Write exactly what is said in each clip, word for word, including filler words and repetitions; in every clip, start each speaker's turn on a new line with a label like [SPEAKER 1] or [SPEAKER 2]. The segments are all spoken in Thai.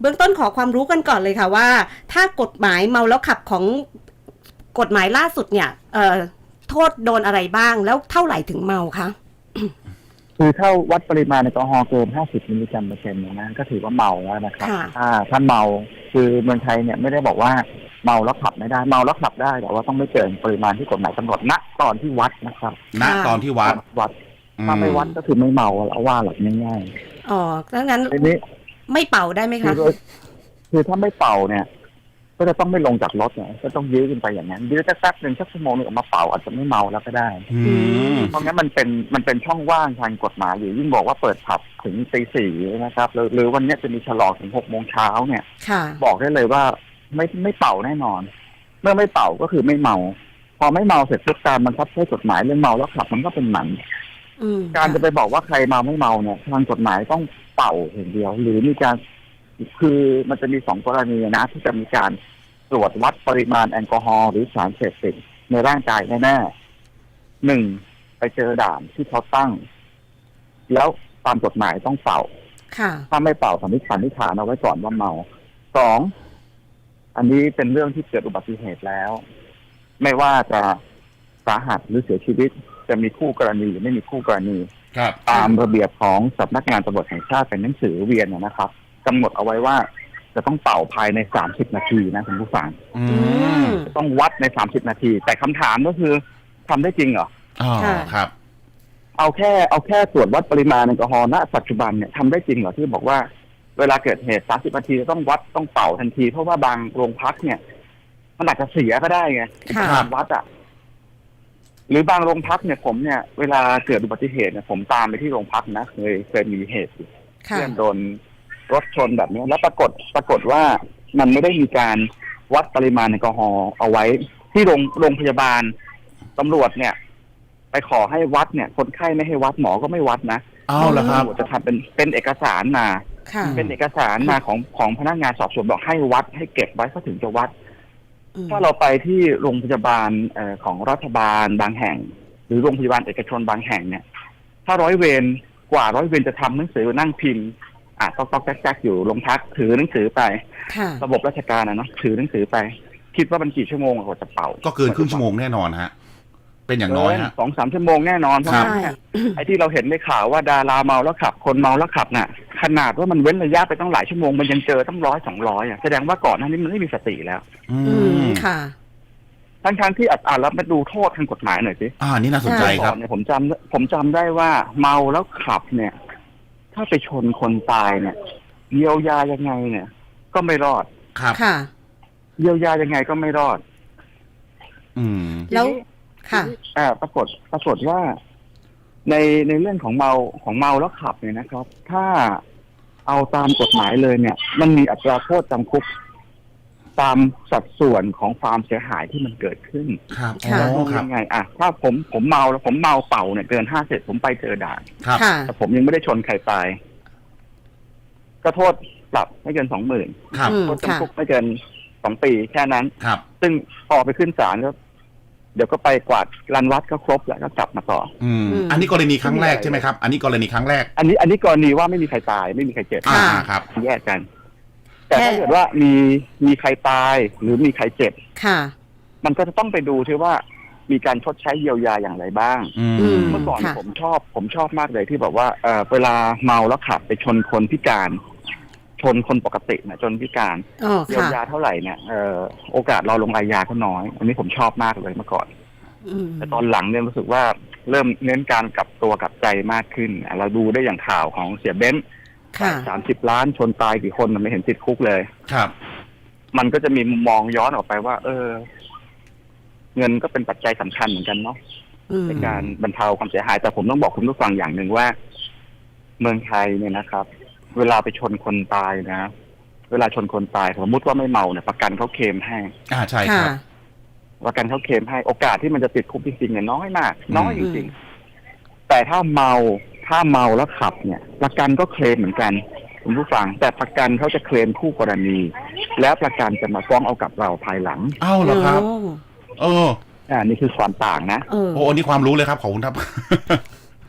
[SPEAKER 1] เบื้องต้นขอความรู้กันก่อนเลยค่ะว่าถ้ากฎหมายเมาแล้วขับของกฎหมายล่าสุดเนี่ยเอ่อโทษโดนอะไรบ้างแล้วเท่าไหร่ถึงเมาคะ
[SPEAKER 2] คือถ้าวัดปริมาณแอลกอฮอล์เกินห้าสิบมิลลิกรัมเปอร์เซ็นต์นะก็ถือว่าเมาแล้วนะครับถ้าถ้าเมาคือเมืองไทยเนี่ยไม่ได้บอกว่าเมาแล้วขับไม่ได้เมาแล้วขับได้แต่ว่าต้องไม่เกินปริมาณที่กฎหมายกำหนดณตอนที่วัดนะครับ
[SPEAKER 3] ณตอนที่วัด
[SPEAKER 2] วัดถ้าไม่วัดก็คือไม่เมาแล้วว่าหลับง่าย
[SPEAKER 1] ๆอ๋อดังนั้น
[SPEAKER 2] ทีนี้
[SPEAKER 1] ไม่เป่าได้ไหมคะ
[SPEAKER 2] คือถ้าไม่เป่าเนี่ยก็จะต้องไม่ลงจากรถเนี่ยก็ต้องยื้อขึ้นไปอย่างนั้นยื้อสักแป๊บหนึ่งสักชั่วโมงนึงออกมาเป่าอาจจะไม่เมาแล้วก็ได้เพราะงั้นมันเป็นมันเป็นช่องว่างทางกฎหมายอยู่ยิ่งบอกว่าเปิดผับถึงตีสี่นะครับหรือหรือวันนี้จะมีฉลองถึงหกโมงเช้าเนี่ยบอกได้เลยว่าไม่ไม่เป่าแน่นอนเมื่อไม่เป่าก็คือไม่เมาพอไม่เมาเสร็จทุกการบังคับใช้กฎหมายเรื่องเมาแล้วขับมันก็เป็นหมันการจะไปบอกว่าใครเมาไม่เมาเนี่ยทางกฎหมายต้องเป่าอย่างเดียวหรือมีการคือมันจะมีสองกรณีนะที่จะมีการตรวจวัดปริมาณแอลกอฮอล์หรือสารเสพติดในร่างกายแน่ๆหนึ่งไปเจอด่านที่เขาตั้งแล้วตามกฎหมายต้องเป่าถ้าไม่เป่าสันนิษฐานนิษฐานเอาไว้ก่อนว่าเมาสองอันนี้เป็นเรื่องที่เกิดอุบัติเหตุแล้วไม่ว่าจะสาหัสหรือเสียชีวิตจะมีคู่กรณีหรือไม่มีคู่กรณีตามระเบียบของสำนักงานตำรวจแห่งชาติเป็นหนังสือเวียนนะครับกำหนดเอาไว้ว่าจะต้องเป่าภายในสามสิบนาทีนะคุณผู้ฟังต้องวัดในสามสิบนาทีแต่คำถามก็คือทำได้จริงเหรอ
[SPEAKER 3] อ๋อครับ
[SPEAKER 2] เอาแค่เอาแค่ตรวจวัดปริมาณแอลกอฮอล์ณปัจจุบันเนี่ยทำได้จริงเหรอที่บอกว่าเวลาเกิดเหตุสามสิบนาทีต้องวัดต้องเป่าทันทีเพราะว่าบางโรงพักเนี่ยมันอาจจะเสียก็ได้ไงการวัดอ่ะหรือบางโรงพักเนี่ยผมเนี่ยเวลาเกิดอุบัติเหตุเนี่ยผมตามไปที่โรงพักนะเคยเคยมีเหตุเพื่อนโดนรถชนแบบนี้แล้วปรากฏปรากฏว่ามันไม่ได้มีการวัดปริมาณแอลกอฮอล์เอาไว้ที่โรงโรงพยาบาลตำรวจเนี่ยไปขอให้วัดเนี่ยคนไข้ไม่ให้วัดหมอก็ไม่วัดนะ
[SPEAKER 3] อ้าวเหรอครับ
[SPEAKER 2] จะทำเป็นเป็นเอกสารมาเป็นเอกสารมาของของพนักงานสอบสวนบอกให้วัดให้เก็บไว้เขาถึงจะวัดถ้าเราไปที่โรงพยาบาลเอ่อของรัฐบาลบางแห่งหรือโรงพยาบาลเอกชนบางแห่งเนี่ยถ้าร้อยเวรกว่าร้อยเวรจะทำหนังสือนั่งพิมพ์อ่ะต๊อกต๊อกแจ๊กแจ๊กอยู่โรงพักถือหนังสือไประบบราชการนะเนาะถือหนังสือไปคิดว่ามันกี่ชั่วโมงกว่าจะเป่า
[SPEAKER 3] ก็เกินครึ่งชั่วโมงแน่นอนฮะเป็นอย่างน้อยฮะ
[SPEAKER 2] สองสามชั่วโมงแน่นอนเพราะไอ้ที่เราเห็นในข่าวว่าดาราเมาแล้วขับคนเมาแล้วขับน่ะขนาดว่ามันเว้นระยะไปต้องหลายชั่วโมงมันยังเจอตั้งร้อยสองร้อยอ่ะแสดงว่าก่อนหน้านี้มันไม่มีสติแล้ว
[SPEAKER 1] อืมค่ะ
[SPEAKER 2] ทั้งทางที่อัดอ่านแล้วมาดูโทษทางกฎหมายหน่อยสิ
[SPEAKER 3] อ่านี่น่าสนใจครับ
[SPEAKER 2] เนี่ยผมจำผมจำได้ว่าเมาแล้วขับเนี่ยถ้าไปชนคนตายเนี่ยเยียวยายังไงเนี่ยก็ไม่รอด
[SPEAKER 3] ครับ
[SPEAKER 1] ค่ะ
[SPEAKER 2] เยียวยายังไงก็ไม่รอด
[SPEAKER 3] อืม
[SPEAKER 1] แล้วค่ะ
[SPEAKER 2] อ่าปรากฏปรากฏว่าในในเรื่องของเมาของเมาแล้วขับเนี่ยนะครับถ้าเอาตามกฎหมายเลยเนี่ยมันมีอัตราโทษจำคุกตามสัดส่วนของความเสียหายที่มันเกิดขึ้น
[SPEAKER 3] ครับ
[SPEAKER 2] ยังไงอ่ะถ้าผมผมเมาแล้วผมเมาเป่าเนี่ยเกินห้าสิบผมไปเจอด่านแต่ผมยังไม่ได้ชนใครตายก็โทษปรับไม่เกินสองหมื่นโทษจำคุกไม่เกินสองปีแค่นั้นซึ่งพอไปขึ้นศาลก็เดี๋ยวก็ไปกวาดรันวัดก็ครบแล้วก็กลับมาต่อ
[SPEAKER 3] อืมอันนี้กรณีครั้งแรกใช่ไหมครับอันนี้กรณีครั้งแรก
[SPEAKER 2] อันนี้อันนี้กรณีว่าไม่มีใครตายไม่มีใครเจ็บ
[SPEAKER 3] อ่าครับ
[SPEAKER 2] แยกกันแต่ถ้าเกิดว่ามีมีใครตายหรือมีใครเจ็บ
[SPEAKER 1] ค่ะ
[SPEAKER 2] มันก็จะต้องไปดูที่ว่ามีการชดใช้เยียวยาอย่างไรบ้างเมื่อก่อนผมชอบผมชอบมากเลยที่บอกว่าเออเวลาเมาแล้วขับไปชนคนพิการชนคนปกติเนี่ยจนพิการเยียวยาเท่าไหร่เนี่ยเออโอกาสเราลงอาญาก็น้อยอันนี้ผมชอบมากเลยเมื่อก่อนแต่ตอนหลังเนี่ยรู้สึกว่าเริ่มเน้นการกลับตัวกลับใจมากขึ้นเราดูได้อย่างข่าวของเสียเบ้นสามสิบล้านชนตายกี่คนมันไม่เห็นติดคุกเลย
[SPEAKER 3] ครับ
[SPEAKER 2] มันก็จะมีมุมมองย้อนออกไปว่าเออเงินก็เป็นปัจจัยสำคัญเหมือนกันเนาะในการบรรเทาความเสียหายแต่ผมต้องบอกคุณผู้ฟังอย่างหนึ่งว่าเมืองไทยเนี่ยนะครับเวลาไปชนคนตายนะเวลาชนคนตายสมมติว่าไม่เมาเนี่ยประกันเขาเคลมให้
[SPEAKER 3] อ่าใช่ครับ
[SPEAKER 2] ประกันเขาเคลมให้โอกาสที่มันจะติดคุกจริงๆเนี่ยน้อยมากน้อยจริงๆแต่ถ้าเมาถ้าเมาแล้วขับเนี่ยประกันก็เคลมเหมือนกันคุณผู้ฟังแต่ประกันเขาจะเคลมคู่กรณีแล้วประกันจะมาฟ้องเอากับเราภายหลัง
[SPEAKER 3] อ้าวเหรอครับเออ
[SPEAKER 2] อ่านี่คือความต่างนะ
[SPEAKER 3] โอ้นี่ความรู้เลยครับขอบคุณครับ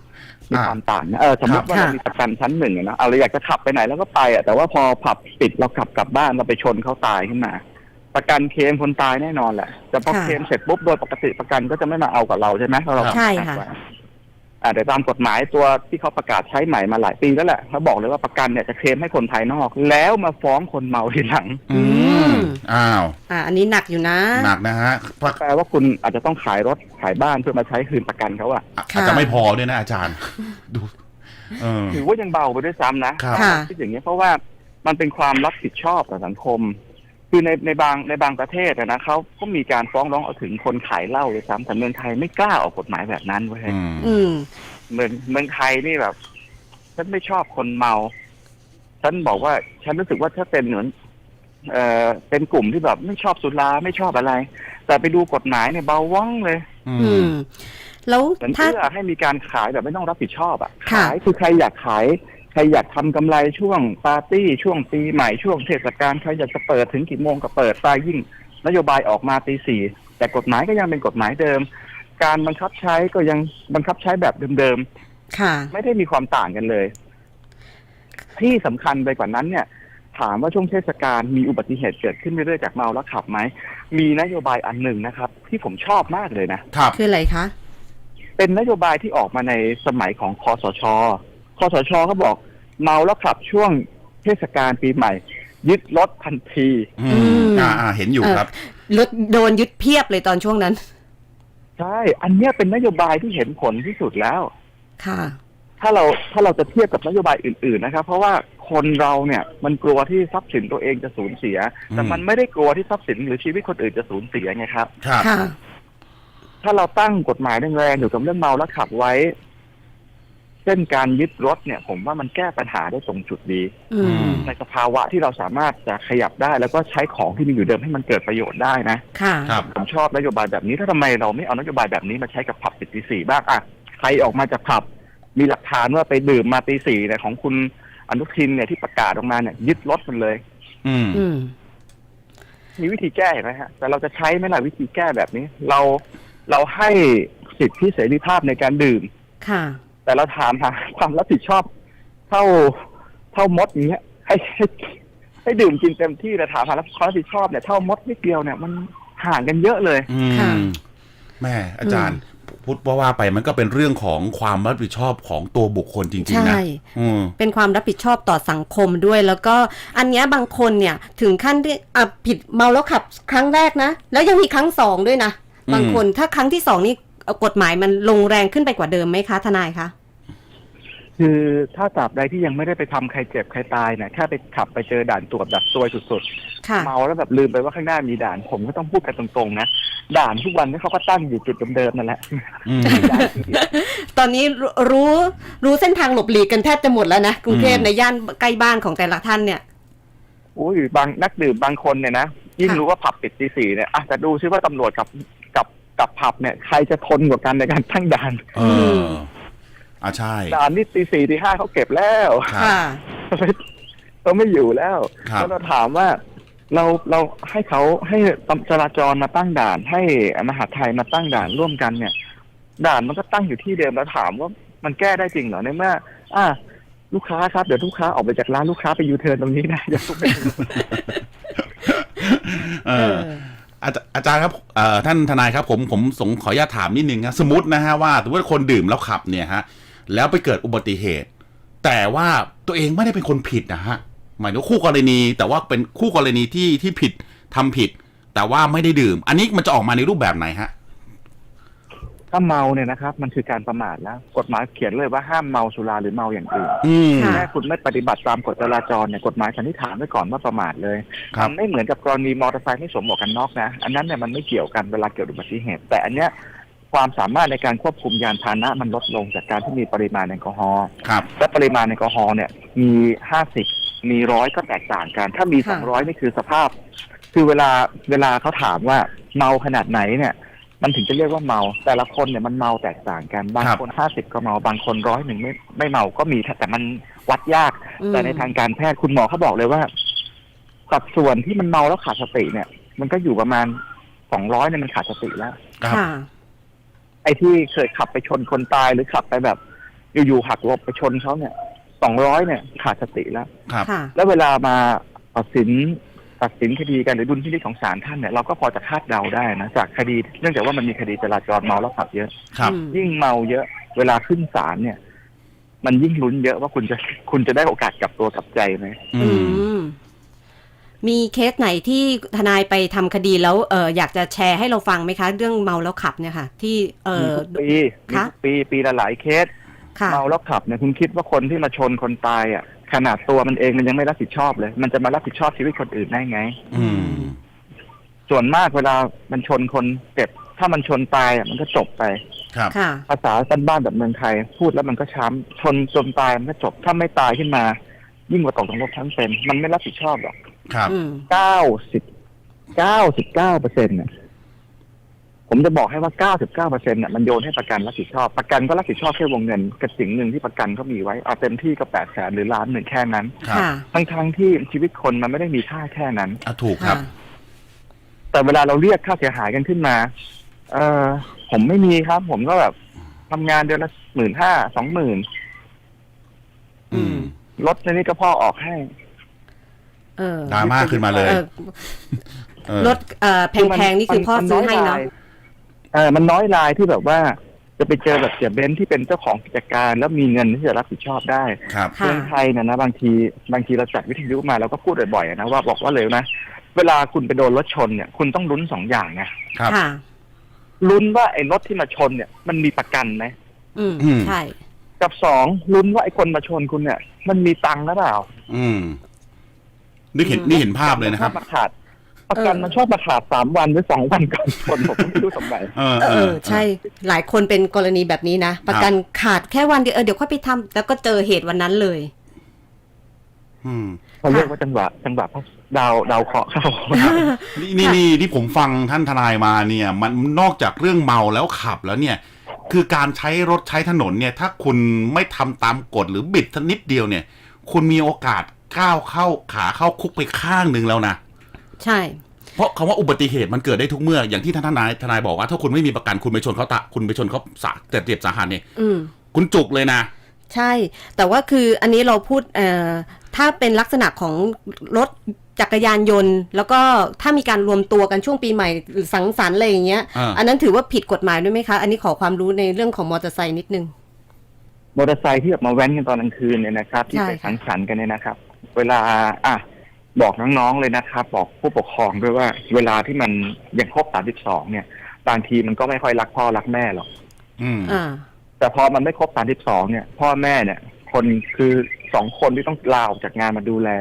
[SPEAKER 2] มีความต่างนะเออสมมติว่าเรามีประกันชั้นหนึ่งนะเอาเราอยากจะขับไปไหนแล้วก็ไปอ่ะแต่ว่าพอผับปิดเราขับกลับบ้านเราไปชนเขาตายขึ้นมาประกันเคลมคนตายแน่นอนแหละแต่พอเคลมเสร็จปุ๊บโดยปกติประกันก็จะไม่มาเอากับเราใช่ไหมเรา
[SPEAKER 1] ใช่ค่ะ
[SPEAKER 2] อ่าแต่ตามกฎหมายตัวที่เขาประกาศใช้ใหม่มาหลายปีแล้วแหละเขาบอกเลยว่าประกันเนี่ยจะเคลมให้คนภายนอกแล้วมาฟ้องคนเมาทีหลัง
[SPEAKER 3] อืมอ้าว
[SPEAKER 1] อ่าอันนี้หนักอยู่นะ
[SPEAKER 3] หนักนะฮะ
[SPEAKER 2] แปลว่าคุณอาจจะต้องขายรถขายบ้านเพื่อมาใช้คืนประกันเขาอะ
[SPEAKER 3] อาจจะไม่พอด้วยนะอาจารย์ดู
[SPEAKER 2] ถือว่ายังเบาไปด้วยซ้ำนะที่อย่างนี้เพราะว่ามันเป็นความรับผิดชอบต่อสังคมคือในในบางในบางประเทศนะเขาก็มีการฟ้องร้องเอาถึงคนขายเหล้าเลยซ้ำแต่เมืองไทยไม่กล้าออกกฎหมายแบบนั้นเว้ยเมืองเมืองไทยนี่แบบฉันไม่ชอบคนเมาฉันบอกว่าฉันรู้สึกว่าถ้าเป็นเหมือนเอ่อเป็นกลุ่มที่แบบไม่ชอบสุราไม่ชอบอะไรแต่ไปดูกฎหมายเนี่ยเบาว่องเลย
[SPEAKER 1] อืมแล้ว
[SPEAKER 2] ถ้าให้มีการขายแบบไม่ต้องรับผิดชอบอ่ะขายคือใครอยากขายใครอยากทำกำไรช่วงปาร์ตี้ช่วงปีใหม่ช่วงเทศกาลใครอยากจะเปิดถึงกี่โมงก็เปิดตายยิ่งนโยบายออกมาตีสี่แต่กฎหมายก็ยังเป็นกฎหมายเดิมการบังคับใช้ก็ยังบังคับใช้แบบเดิมๆค่ะไม่ได้มีความต่างกันเลยที่สำคัญไปกว่านั้นเนี่ยถามว่าช่วงเทศกาลมีอุบัติเหตุเกิดขึ้นเรื่อยๆจากเมาแล้วขับไหมมีนโยบายอันหนึ่งนะครับที่ผมชอบมากเลยนะครับ
[SPEAKER 1] คืออะไรคะ
[SPEAKER 2] เป็นนโยบายที่ออกมาในสมัยของคสช.คสช.เขาบอกเมาแล้วขับช่วงเทศกาลปีใหม่ยึดรถทันที
[SPEAKER 3] อืมอ่าอ่าเห็นอยู่ครับ
[SPEAKER 1] รถโดนยึดเพียบเลยตอนช่วงนั้น
[SPEAKER 2] ใช่อันนี้เป็นนโยบายที่เห็นผลที่สุดแล้ว
[SPEAKER 1] ค่ะ
[SPEAKER 2] ถ้าเราถ้าเราจะเทียบกับนโยบายอื่นๆนะครับเพราะว่าคนเราเนี่ยมันกลัวที่ทรัพย์สินตัวเองจะสูญเสียแต่มันไม่ได้กลัวที่ทรัพย์สินหรือชีวิตคนอื่นจะสูญเสียไงครับ
[SPEAKER 3] ค่ะ
[SPEAKER 2] ถ้าเราตั้งกฎหมายแรงๆเกี่ยวกับเรื่องเมาแล้วขับไว้เช่นการยึดรถเนี่ยผมว่ามันแก้ปัญหาได้ตรงจุดดีในสภาวะที่เราสามารถจะขยับได้แล้วก็ใช้ของที่มีอยู่เดิมให้มันเกิดประโยชน์ได้นะ
[SPEAKER 1] ค่ะ
[SPEAKER 2] ผมชอบนโยบายแบบนี้ถ้าทำไมเราไม่เอานโยบายแบบนี้มาใช้กับผับปิดตีสี่บ้างอ่ะใครออกมาจากผับมีหลักฐานว่าไปดื่มมาตีสี่เนี่ยของคุณอนุทินเนี่ยที่ประกาศออกมาเนี่ยยึดรถมันเลย อืมมีวิธีแก้เห็นไหมฮะแต่เราจะใช้ไหมล่ะวิธีแก้แบบนี้ เราเราให้สิทธิเสรีภาพในการดื่ม
[SPEAKER 1] ค่ะ
[SPEAKER 2] แต่เราถามหาความรับผิดชอบเท่าเท่ามดอย่างเงี้ยให้ให้ให้ดื่มกินเต็มที่แต่ถามหาความรับผิดชอบเนี่ยเท่ามดนิดเดียวเนี่ยมันห่างกันเยอะเลย
[SPEAKER 3] ค่ะแม่อาจารย์พูดว่าว่าไปมันก็เป็นเรื่องของความรับผิดชอบของตัวบุคคลจริงๆนะ
[SPEAKER 1] เป็นความรับผิดชอบต่อสังคมด้วยแล้วก็อันนี้บางคนเนี่ยถึงขั้นที่ผิดเมาแล้วขับครั้งแรกนะแล้วยังมีครั้งสองด้วยนะบางคนถ้าครั้งที่สองนี่กฎหมายมันลงแรงขึ้นไปกว่าเดิมไหมคะทนายคะ
[SPEAKER 2] คือถ้าตราบใดที่ยังไม่ได้ไปทำใครเจ็บใครตายเนี่ยแค่ไปขับไปเจอด่านตรวจแบบซวยสุดๆเมาแล้วแบบลืมไปว่าข้างหน้ามีด่านผมก็ต้องพูดกันตรงๆนะด่านทุกวันนี้เขาก็ตั้งอยู่จุดเดิมๆนั่นแหละ
[SPEAKER 1] ตอนนี้รู้รู้เส้นทางหลบหลีกกันแทบจะหมดแล้วนะกรุงเทพในย่านใกล้บ้านของแต่ละท่านเนี่ย
[SPEAKER 2] โอ้ยบางนักดื่มบางคนเนี่ยนะยิ่งรู้ว่าผับปิดตีสี่เนี่ยอ่ะแต่ดูซิว่าตำรวจกับกับกับผับเนี่ยใครจะทนกว่ากันในการตั้งด่าน
[SPEAKER 3] เอออ่าใช่
[SPEAKER 2] ด่านนี่ตีสี่ตีห้าเขาเก็บแล้ว
[SPEAKER 1] ค่ะ
[SPEAKER 2] เขาไม่อยู่แล้วแล้วเราถามว่าเราเราให้เขาให้จราจรมาตั้งด่านให้มหาไทยมาตั้งด่านร่วมกันเนี่ยด่านมันก็ตั้งอยู่ที่เดิมแล้วถามว่ามันแก้ได้จริงเหรอในเมื่ออ่าลูกค้าครับเดี๋ยวลูกค้าออกไปจากร้านลูกค้าไปยูเทิร์นตรงนี้นะอย่าทุกไป
[SPEAKER 3] เอออาจารย์ครับท่านทนายครับผมผมสงขออนุญาตถามนิดนึงนะสมมตินะฮะว่าสมมติคนดื่มแล้วขับเนี่ยฮะแล้วไปเกิดอุบัติเหตุแต่ว่าตัวเองไม่ได้เป็นคนผิดนะฮะหมายถึงคู่กรณีแต่ว่าเป็นคู่กรณีที่ที่ผิดทำผิดแต่ว่าไม่ได้ดื่มอันนี้มันจะออกมาในรูปแบบไหนฮะ
[SPEAKER 2] ถ้าเมาเนี่ยนะครับมันคือการประมาทแล้วกฎหมายเขียนเลยว่าห้ามเมาสุราหรือเมาอย่างอื่นแม้คุณไม่ปฏิบัติตามกฎจราจรเนี่ยกฎหมายสันนิษฐานไว้ก่อนว่าประมาทเลยมันไม่เหมือนกับกรณีมอเตอร์ไซค์ไม่สวมหมวกกันน็อกนะอันนั้นเนี่ยมันไม่เกี่ยวกันเวลาเกิดอุบัติเหตุแต่อันเนี้ยความสามารถในการควบคุมยานพาหนะมันลดลงจากการที่มีปริมาณแอลกอฮอล์และปริมาณแอลกอฮอล์เนี่ยมีห้าสิบมีร้อยก็แตกต่างกันถ้ามีสองร้อยนี่คือสภาพคือเวลาเวลาเขาถามว่าเมาขนาดไหนเนี่ยมันถึงจะเรียกว่าเมาแต่ละคนเนี่ยมันเมาแตกต่างกันบางคนห้าสิบก็เมาบางคนร้อยหนึ่งไม่ไม่เมาก็มีแต่มันวัดยากแต่ในทางการแพทย์คุณหมอเขาบอกเลยว่าสัดส่วนที่มันเมาแล้วขาดสติเนี่ยมันก็อยู่ประมาณสองร้อยเนี่ยมันขาดสติแล้วไอ้ที่เคยขับไปชนคนตายหรือขับไปแบบอยู่ๆหักหลบไปชนเขาเนี่ยสองร้อยเนี่ยขาดสติแล้ว
[SPEAKER 3] ครับ
[SPEAKER 1] ค่ะ
[SPEAKER 2] แล้วเวลามาตัดสินตัดสินคดีกันหรือดุลพินิจของศาลท่านเนี่ยเราก็พอจะคาดเดาได้นะจากคดีเนื่องจากว่ามันมีคดีจราจรเมาแล้วขับเยอะ
[SPEAKER 3] ครับ
[SPEAKER 1] อืม
[SPEAKER 2] ยิ่งเมาเยอะ เวลาขึ้นศาลเนี่ย มันยิ่งลุ้นเยอะว่าคุณจะคุณจะได้โอกาสกลับตัวกลับใจไหม
[SPEAKER 3] อื
[SPEAKER 1] อื
[SPEAKER 3] ม
[SPEAKER 1] มมีเคสไหนที่ทนายไปทำคดีแล้วเอออยากจะแชร์ให้เราฟังไหมคะ เรื่องเมาแล้วขับเนี่ยค่ะ ที่เอ
[SPEAKER 2] มี
[SPEAKER 1] อ
[SPEAKER 2] ทุกปีมี
[SPEAKER 1] คะ
[SPEAKER 2] ทุกปีปีละหลายเคส
[SPEAKER 1] ค่ะ
[SPEAKER 2] เมาแล้วขับเนี่ยคุณคิดว่าคนที่มาชนคนตายอ่ะขนาดตัวมันเองมันยังไม่รับผิดชอบเลย มันจะมารับผิดชอบชีวิตคนอื่นได้ไง
[SPEAKER 3] อืม
[SPEAKER 2] ส่วนมากเวลามันชนคนเจ็บถ้ามันชนตายอ่ะมันก็จบไป
[SPEAKER 3] ครับ
[SPEAKER 1] ค่ะ
[SPEAKER 2] ภาษาสั้นบ้านแบบเมืองไทยพูดแล้วมันก็ช้ำชนจนตายมันก็จบถ้าไม่ตายขึ้นมา ยิ่งกว่าตกนรกทั้งเป็นมันไม่รับผิดชอบหรอก
[SPEAKER 3] ครับ
[SPEAKER 1] อืม
[SPEAKER 2] เก้าสิบเก้าสิบเก้าเปอร์เซ็นต์เนี่ยผมจะบอกให้ว่าเก้าสิบเก้าเปอร์เซ็นต์เนี่ยมันโยนให้ประกันรับผิดชอบประกันก็รับผิดชอบแค่วงเงินกระสิ่งหนึ่งที่ประกันเขามีไว้เอาเต็มที่ก็แปดแสนหรือล้านหนึ่งแค่นั้น
[SPEAKER 3] ครับ
[SPEAKER 1] ค่ะ
[SPEAKER 2] ทั้งทั้งๆที่ชีวิตคนมันไม่ได้มีค่าแค่นั้น
[SPEAKER 3] อ่ะถูกครับ
[SPEAKER 2] แต่เวลาเราเรียกค่าเสียหายกันขึ้นมา เออผมไม่มีครับ ผมก็แบบทำงานเดือนละหมื่นห้าสองหมื่น
[SPEAKER 3] อืม
[SPEAKER 2] รถในนี้ก็พ่อออกให้
[SPEAKER 1] เออ
[SPEAKER 3] ดราม่าขึ้นมาเลย
[SPEAKER 1] เออ
[SPEAKER 3] เออ
[SPEAKER 1] รถเอ่อแพงๆนี่คือพ่อซื้อให้เนาะ
[SPEAKER 2] เออมันน้อยรายที่แบบว่า จะไปเจอแบบเสียเบนซ์ที่เป็นเจ้าของกิจการ แล้วมีเงินที่จะรับผิดชอบได้
[SPEAKER 3] ครับ
[SPEAKER 1] ค่ะ
[SPEAKER 2] เมืองไทยเนี่ยนะบางทีบางทีเราจัดวิทยุมาเราก็พูดบ่อยๆนะว่าบอกว่าเลยนะ เวลาคุณไปโดนรถชนเนี่ย คุณต้องลุ้นสองอย่างไง
[SPEAKER 3] ครับ
[SPEAKER 1] ค่ะ
[SPEAKER 2] ลุ้นว่าไอ้รถที่มาชนเนี่ย มันมีประกันไหม
[SPEAKER 1] อืม
[SPEAKER 3] อืม
[SPEAKER 1] ใช่
[SPEAKER 2] กับสองลุ้นว่าไอ้คนมาชนคุณเนี่ย มันมีตังค์หรือเปล่า
[SPEAKER 3] อืมนี่เห็นนี่เห็นภาพเลยนะครับ
[SPEAKER 2] มัชอบมาขาดประกันมันชอบมาขาดสามวันหรือสองวันก่อนชนผมก็ไม่รู้สมัย
[SPEAKER 3] เออ
[SPEAKER 1] เอ
[SPEAKER 3] เอ
[SPEAKER 1] อ
[SPEAKER 3] อ
[SPEAKER 1] ใช่ หลายคนเป็นกรณีแบบนี้นะ ประกันขาดแค่วันเดียวเออเดี๋ยวค่อยไปทำแล้วก็เจอเหตุวันนั้นเลย
[SPEAKER 3] อืม
[SPEAKER 2] เขาเรียกว่าจังหวะจังหวะดาวดาวเคราะห์เข้า
[SPEAKER 3] นี่นี่นี่ที่ผมฟังท่านทนายมาเนี่ย มันนอกจากเรื่องเมาแล้วขับแล้วเนี่ย คือการใช้รถใช้ถนนเนี่ย ถ้าคุณไม่ทำตามกฎหรือบิดนิดเดียวเนี่ย คุณมีโอกาสก้าวเข้าขาเข้าคุกไปข้างหนึ่งแล้วนะ
[SPEAKER 1] ใช่
[SPEAKER 3] เพราะคำว่าอุบัติเหตุมันเกิดได้ทุกเมื่ออย่างที่ท่านทนายทนายบอกว่าถ้าคุณไม่มีประกันคุณไปชนเขาตะคุณไปชนเขาสาเจ็บเจ็บสาหัสเนี่ย
[SPEAKER 1] อืม
[SPEAKER 3] คุณจุกเลยนะ
[SPEAKER 1] ใช่ แต่ว่าคืออันนี้เราพูดเอ่อถ้าเป็นลักษณะของรถจักรยานยนต์ แล้วก็ถ้ามีการรวมตัวกันช่วงปีใหม่หรือสังสรรค์อะไรอย่างเงี้ย
[SPEAKER 3] อ่า
[SPEAKER 1] อันนั้นถือว่าผิดกฎหมายด้วยไหมคะ อันนี้ขอความรู้ในเรื่องของมอเตอร์ไซค์นิดนึง
[SPEAKER 2] มอเตอร์ไซค์ที่ออกมาแว้นกันตอนกลางคืนเนี่ยนะครับ ที่
[SPEAKER 1] ใช่
[SPEAKER 2] ไป
[SPEAKER 1] ค่ะ
[SPEAKER 2] สังสรรค์กันเนี่ยนะครับ เวลาอ่ะบอกน้องๆเลยนะครับ บอกผู้ปกครองด้วยว่า เวลาที่มันยังครบสามสิบสองเนี่ยบางทีมันก็ไม่ค่อยรักพ่อรักแม่หรอก
[SPEAKER 3] อืม
[SPEAKER 1] อ่า
[SPEAKER 2] แต่พอมันไม่ครบสามสิบสองเนี่ย พ่อแม่เนี่ย คนคือสองคนที่ต้องลาออกจากงานมาดูแล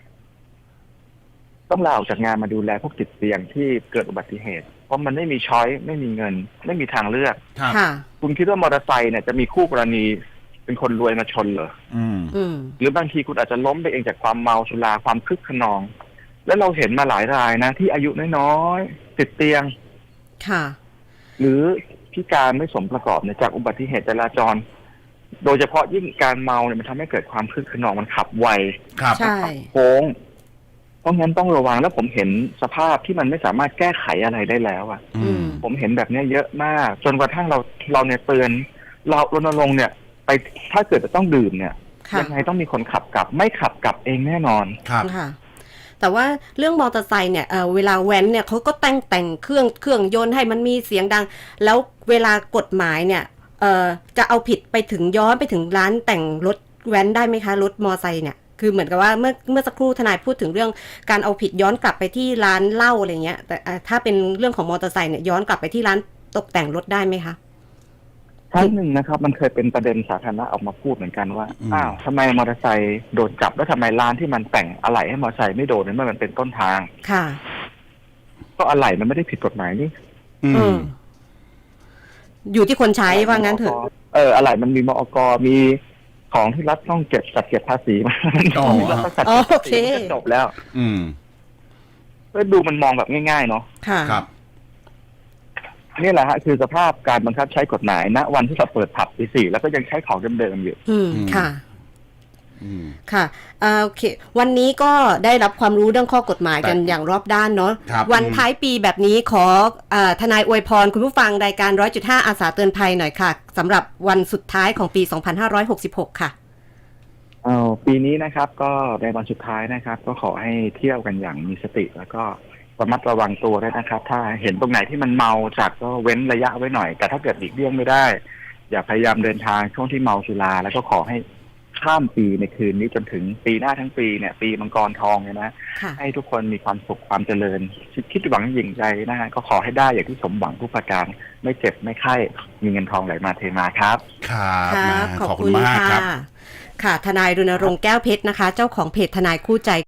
[SPEAKER 2] ต้องลาออกจากงานมาดูแลพวกติดเตียงที่เกิดอุบัติเหตุ เพราะมันไม่มีช้อยไม่มีเงิน ไม่มีทางเลือก
[SPEAKER 3] ครับ
[SPEAKER 1] ค่ะ
[SPEAKER 2] คุณคิดว่ามอเตอร์ไซค์เนี่ยจะมีคู่กรณีเป็นคนรวยมาชนเหรอ
[SPEAKER 3] อืม
[SPEAKER 1] อืม
[SPEAKER 2] หรือบางทีคุณอาจจะล้มไปเองจากความเมาสุราความคึกขนอง แล้วเราเห็นมาหลายรายนะ ที่อายุน้อยๆติดเตียง
[SPEAKER 1] ค่ะ
[SPEAKER 2] หรือพิการไม่สมประกอบเนี่ยจากอุบัติเหตุจราจร โดยเฉพาะยิ่งการเมาเนี่ยมันทำให้เกิดความคึกขนองมันขับไว
[SPEAKER 3] ครับ
[SPEAKER 1] ใช่
[SPEAKER 2] โค้งเพราะงั้นต้องระวังแล้วผมเห็นสภาพที่มันไม่สามารถแก้ไขอะไรได้แล้วอะ
[SPEAKER 3] อืม
[SPEAKER 2] ผมเห็นแบบเนี้ยเยอะมาก จนกระทั่งเราเราเนี่ยเตือนเรารณรงค์เนี่ย ไปถ้าเกิดจะต้องดื่มเนี่ย
[SPEAKER 1] ค่ะ
[SPEAKER 2] ยังไงต้องมีคนขับกลับ ไม่ขับกลับเองแน่นอน
[SPEAKER 3] ครับ
[SPEAKER 1] ค่ะ แต่ว่าเรื่องมอเตอร์ไซค์เนี่ยเอ่อเวลาแว้นเนี่ยเขาก็แต่งแต่งเครื่องเครื่องยนต์ให้มันมีเสียงดัง แล้วเวลากฎหมายเนี่ยเอ่อจะเอาผิดไปถึงย้อนไปถึงร้านแต่งรถแว้นได้ไหมคะรถมอเตอร์ไซค์เนี่ยคือเหมือนกับว่าเมื่อเมื่อสักครู่ทนายพูดถึงเรื่องการเอาผิดย้อนกลับไปที่ร้านเหล้าอะไรเงี้ยแต่อ่าถ้าเป็นเรื่องของมอเตอร์ไซค์เนี่ยย้อนกลับไปที่ร้านตกแต่งรถได้ไหมคะ
[SPEAKER 2] ครั้งหนึ่งนะครับ มันเคยเป็นประเด็นสาธารณะออกมาพูดเหมือนกันว่า
[SPEAKER 3] อืม
[SPEAKER 2] อ้าวทำไมมอเตอร์ไซค์โดนจับแล้วทำไมร้านที่มันแต่งอะไหล่ให้มอเตอร์ไซค์ไม่โดนเมื่อมันเป็นต้นทาง
[SPEAKER 1] ค่ะ
[SPEAKER 2] ก็อะไหล่มันไม่ได้ผิดกฎหมายนี่
[SPEAKER 3] อื
[SPEAKER 1] เอ
[SPEAKER 3] ม
[SPEAKER 1] ออยู่ที่คนใช้ว่างั้นเถอะ
[SPEAKER 2] เอออะไหล่มันมีมอกมีของที่รัฐต้องเก็บจัดเก็บภาษีมา
[SPEAKER 3] อ๋อ
[SPEAKER 2] รัฐต้องจัด
[SPEAKER 1] อ๋อ
[SPEAKER 2] เก็บ
[SPEAKER 1] โอ
[SPEAKER 2] ภา
[SPEAKER 1] เค
[SPEAKER 2] ษีมันก็จบแล้ว
[SPEAKER 3] อืม
[SPEAKER 2] ก็ดูมันมองแบบง่ายๆเนาะ
[SPEAKER 1] ค่ะ
[SPEAKER 3] ครับ
[SPEAKER 2] นี่แหละฮะคือสภาพการบังคับใช้กฎหมายณวันที่เราเปิดผับปีสี่แล้วก็ยังใช้ของเดิมๆอยู่
[SPEAKER 1] อืม
[SPEAKER 3] อืม
[SPEAKER 1] ค่ะ
[SPEAKER 3] อืม
[SPEAKER 1] ค่ะอ่าโอเควันนี้ก็ได้รับความรู้เรื่องข้อกฎหมายกันอย่างรอบด้านเนาะ
[SPEAKER 3] ครับ
[SPEAKER 1] วันท้ายปีแบบนี้ขออาทนายอวยพรคุณผู้ฟังรายการ ร้อยจุดห้า อาสาเตือนภัยหน่อยค่ะสำหรับวันสุดท้ายของปี สองพันห้าร้อยหกสิบหก ค่ะ
[SPEAKER 2] เอาปีนี้นะครับก็ในวันสุดท้ายนะครับ ก็ขอให้เที่ยวกันอย่างมีสติ แล้วก็ระมัดระวังตัวด้วยนะครับ ถ้าเห็นตรงไหนที่มันเมาจัดก็เว้นระยะไว้หน่อย แต่ถ้าเกิดหลีกเลี่ยงไม่ได้ อย่าพยายามเดินทางช่วงที่เมาสุราแล้วก็ขอให้ข้ามปีในคืนนี้จนถึงปีหน้าทั้งปีเนี่ยปีมังกรทองเนี่ยนะ
[SPEAKER 1] ค่ะ
[SPEAKER 2] ให้ทุกคนมีความสุขความเจริญคิดคิดหวังยิ่งใจนะฮะก็ขอให้ได้อย่างที่สมหวังทุกประการไม่เจ็บไม่ไข้มีเงินทองไหลมาเทมาครับ
[SPEAKER 3] ครับ
[SPEAKER 1] ครับ
[SPEAKER 3] นะ
[SPEAKER 1] ขอบ
[SPEAKER 3] ขอบคุ
[SPEAKER 1] คุณ ณ
[SPEAKER 3] มาก
[SPEAKER 1] ค่ะ
[SPEAKER 3] ครับ
[SPEAKER 1] ค่ะทนายรณรงค์แก้วเพชรนะคะ เจ้าของเพจทนายคู่ใจ